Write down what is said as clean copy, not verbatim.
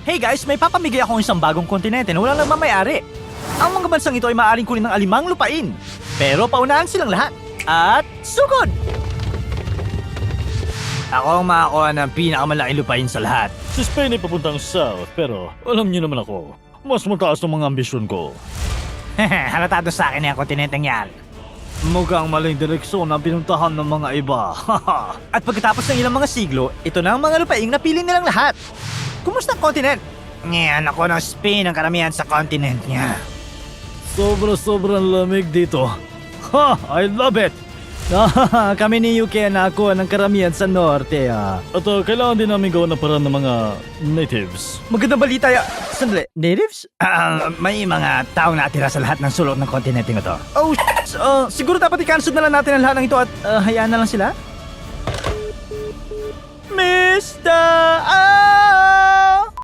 Hey guys, may papamigay akong isang bagong kontinente na walang nagmamayari. Ang mga bansang ito ay maaaring kunin ng alimang lupain. Pero paunahan silang lahat. At sugod! Ako ang makakuha ng pinakamalaking lupain sa lahat. Si Spain ay papuntang south, pero alam niyo naman ako, mas mataas ng mga ambisyon ko. Halatado sa akin yung kontinenteng yan. Mukhang maling direksyon ang pinuntahan ng mga iba. At pagkatapos ng ilang mga siglo, ito na ang mga lupaing napili nilang lahat. Kumusta ang kontinent? Ngayon ako ng Spain ang karamihan sa kontinent niya. Sobrang lamig dito. Ha! I love it! Kami ni UK na ako ng karamihan sa norte At kailangan din namin gawa ng paraan ng mga natives. Magandang balita Sandali, natives? May mga taong natira sa lahat ng sulok ng kontinenteng ito. Oh, siguro dapat i-cancel na lang natin ang lahat ng ito at hayaan na lang sila? Mr.